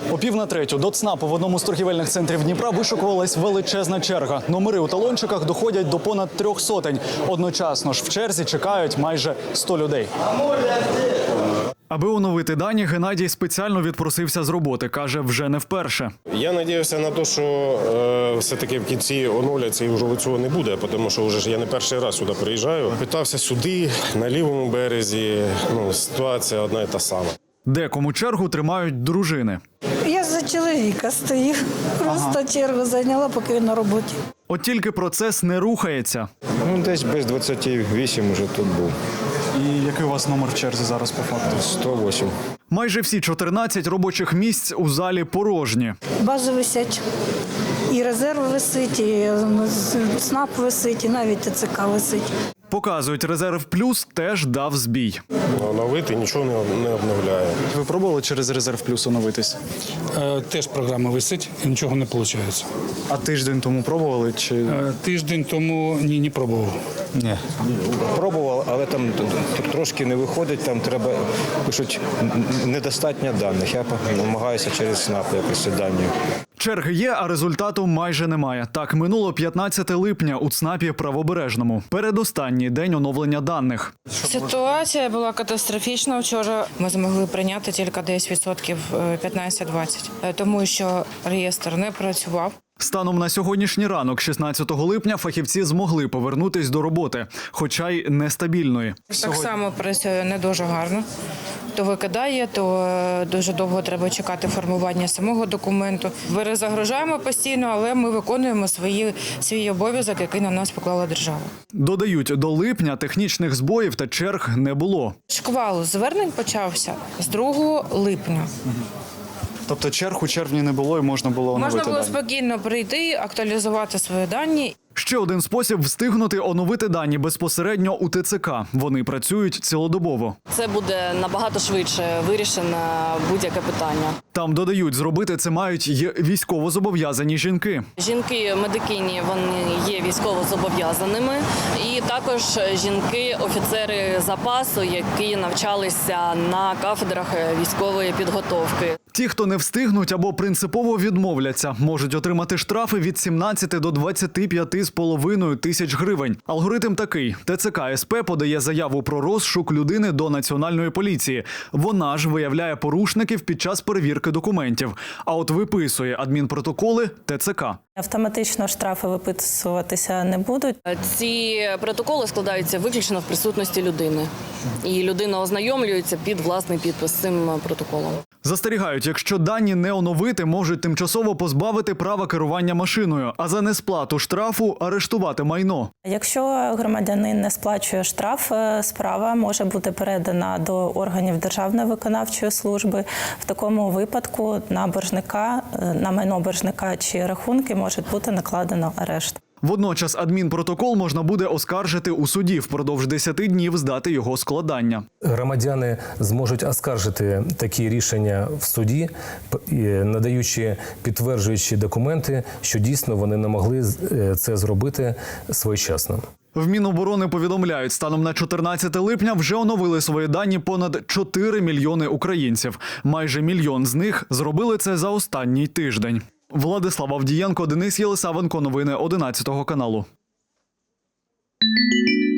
О 2:45 до ЦНАПу в одному з торгівельних центрів Дніпра вишукувалась величезна черга. Номери у талончиках доходять до понад 300. Одночасно ж в черзі чекають майже 100 людей. Аби оновити дані, Геннадій спеціально відпросився з роботи. Каже, вже не вперше. Я сподіваюся на те, що все-таки в кінці оновляться і вже цього не буде, тому що вже я не перший раз сюди приїжджаю. Питався сюди, на лівому березі, ситуація одна і та сама. Декому чергу тримають дружини. Я за чоловіка стою. Просто чергу зайняла, поки він на роботі. От тільки процес не рухається. Десь без 28 вже тут був. І який у вас номер в черзі зараз по факту? 108. Майже всі 14 робочих місць у залі порожні. Бази висять. І резерв висить, і ЦНАП висить, і навіть ТЦК висить. Показують, резерв плюс теж дав збій. Оновити нічого не обновляє. Ви пробували через резерв плюс оновитись? Теж програма висить і нічого не виходить. А тиждень тому пробували? Чи Тиждень тому не пробував. ні? Пробував, але там трошки не виходить, там треба, пишуть, недостатньо даних. Я намагаюся через СНАП якось ці дані. Черги є, а результату майже немає. Так, минуло 15 липня у ЦНАПі Правобережному. Передостанній день оновлення даних. Ситуація була катастрофічна. Вчора ми змогли прийняти тільки десь відсотків 15-20, тому що реєстр не працював. Станом на сьогоднішній ранок, 16 липня, фахівці змогли повернутись до роботи, хоча й нестабільної. Так само працює не дуже гарно. То викидає, то дуже довго треба чекати формування самого документу. Перезагружаємо постійно, але ми виконуємо свій обов'язок, який на нас поклала держава. Додають, до липня технічних збоїв та черг не було. Шквал звернень почався з 2 липня. Тобто черг у червні не було і можна було оновити Можна було дані? спокійно прийти, актуалізувати свої дані. Ще один спосіб встигнути оновити дані безпосередньо у ТЦК. Вони працюють цілодобово. Це буде набагато швидше вирішено будь-яке питання. Там додають, зробити це мають й військовозобов'язані жінки. Жінки-медикині, вони є військовозобов'язаними. І також жінки-офіцери запасу, які навчалися на кафедрах військової підготовки. Ті, хто не встигнуть або принципово відмовляться, можуть отримати штрафи від 17 до 25,5 тисяч гривень. Алгоритм такий. ТЦК СП подає заяву про розшук людини до Національної поліції. Вона ж виявляє порушників під час перевірки документів. А от виписує адмінпротоколи ТЦК. Автоматично штрафи виписуватися не будуть. Ці протоколи складаються виключно в присутності людини. І людина ознайомлюється під власний підпис з цим протоколом. Застерігають, якщо дані не оновити, можуть тимчасово позбавити права керування машиною, а за несплату штрафу арештувати майно. Якщо громадянин не сплачує штраф, справа може бути передана до органів Державної виконавчої служби. В такому випадку на боржника, на майно боржника чи рахунки може бути накладено арешт. Водночас адмінпротокол можна буде оскаржити у суді впродовж 10 днів з дати його складання. Громадяни зможуть оскаржити такі рішення в суді, надаючи підтверджуючі документи, що дійсно вони не могли це зробити своєчасно. В Міноборони повідомляють, станом на 14 липня вже оновили свої дані понад 4 мільйони українців. Майже мільйон з них зробили це за останній тиждень. Владислав Авдієнко, Денис Єлисавенко. Новини 11 каналу.